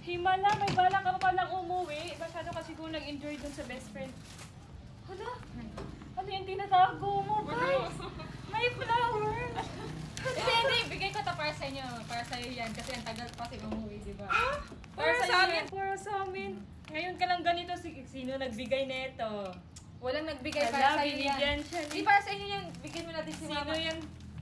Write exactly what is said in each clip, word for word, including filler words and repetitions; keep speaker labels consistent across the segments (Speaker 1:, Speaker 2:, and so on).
Speaker 1: Himala, may balak ka pa lang umuwi. Masyado kasi kung nag-enjoy dun sa best friend. Hala? Ano yung tinatago mo, guys? May flower!
Speaker 2: Hindi, hindi. Bigay ko to para sa inyo. Para sa iyo yan. Kasi ang tagal pa kasi umuwi, di ba?
Speaker 1: Para
Speaker 2: Para
Speaker 1: sa
Speaker 2: sa
Speaker 1: amin,
Speaker 2: amin.
Speaker 1: para sa amin. Ngayon ka lang ganito, si- sino nagbigay nito?
Speaker 2: Walang nagbigay
Speaker 1: Hala,
Speaker 2: para sa iyo
Speaker 1: binigyan
Speaker 2: yan.
Speaker 1: siya ni-
Speaker 2: Di para sa inyo yan. Bigyan mo natin si
Speaker 1: Sino
Speaker 2: mama.
Speaker 1: yan?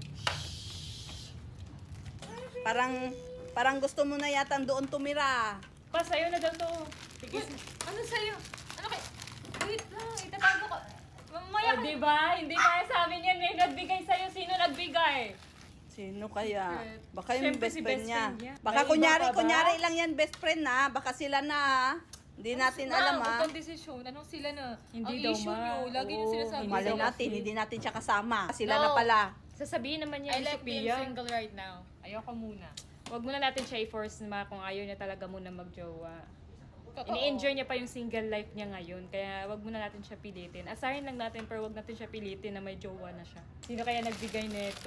Speaker 3: Parang, parang gusto mo na yata doon tumira.
Speaker 1: Pa, sa'yo na daw to. Sige,
Speaker 2: Uy, ano sa'yo? Ano kay... Wait lang, itatago ko. Mamaya
Speaker 1: oh,
Speaker 2: ka.
Speaker 1: di ba? Hindi kaya sa amin yan. May nagbigay sa'yo. Sino nagbigay?
Speaker 3: Sino kaya? Baka yung
Speaker 1: Siyempre
Speaker 3: best
Speaker 1: si
Speaker 3: friend
Speaker 1: best
Speaker 3: niya.
Speaker 1: friend niya.
Speaker 3: Baka
Speaker 1: May
Speaker 3: kunyari,
Speaker 1: iba pa ba?
Speaker 3: kunyari lang yan best friend na. Baka sila na ah. Hindi natin alam
Speaker 2: Ma,
Speaker 3: ah.
Speaker 2: huwag kang desisyon. Anong sila na?
Speaker 1: Hindi
Speaker 2: Ang
Speaker 1: daw,
Speaker 2: issue
Speaker 1: ma.
Speaker 2: nyo, lagi nyo
Speaker 1: Oo,
Speaker 2: sinasabi.
Speaker 3: Malay
Speaker 2: sa
Speaker 3: natin,
Speaker 2: office.
Speaker 3: hindi natin siya kasama. Sila
Speaker 2: No.
Speaker 3: na pala.
Speaker 1: Sasabihin naman
Speaker 2: I
Speaker 1: niya ni
Speaker 2: like being
Speaker 1: Sophia.
Speaker 2: single right now. Ayoko muna.
Speaker 1: Huwag muna natin siya i-force na kung ayaw niya talaga muna magjowa.
Speaker 2: Totoo.
Speaker 1: Ini-enjoy niya pa yung single life niya ngayon. Kaya wag muna natin siya pilitin. Asahin lang natin pero wag natin siya pilitin na may jowa na siya. Sino kaya nagbigay nito?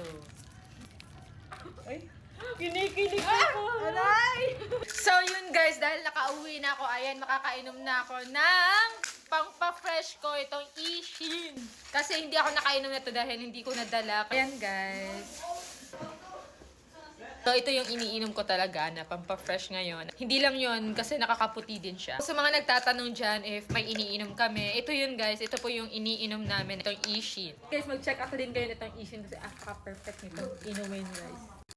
Speaker 1: Ay, kinikilig ako.
Speaker 3: Aray!
Speaker 2: So yun guys, dahil nakauwi na ako, ayan, makakainom na ako ng pang-pa-fresh ko itong Ishin. Kasi hindi ako nakainom na to dahil hindi ko nadala. Ayan guys. So ito yung iniinom ko talaga na pampa-fresh ngayon. Hindi lang yun kasi nakakaputi din siya. Sa mga nagtatanong dyan if may iniinom kami, ito yun guys, ito po yung iniinom namin, itong Ishin. Guys, mag-check out din kayo nitong Ishin kasi ah, perfect nitong inumin guys.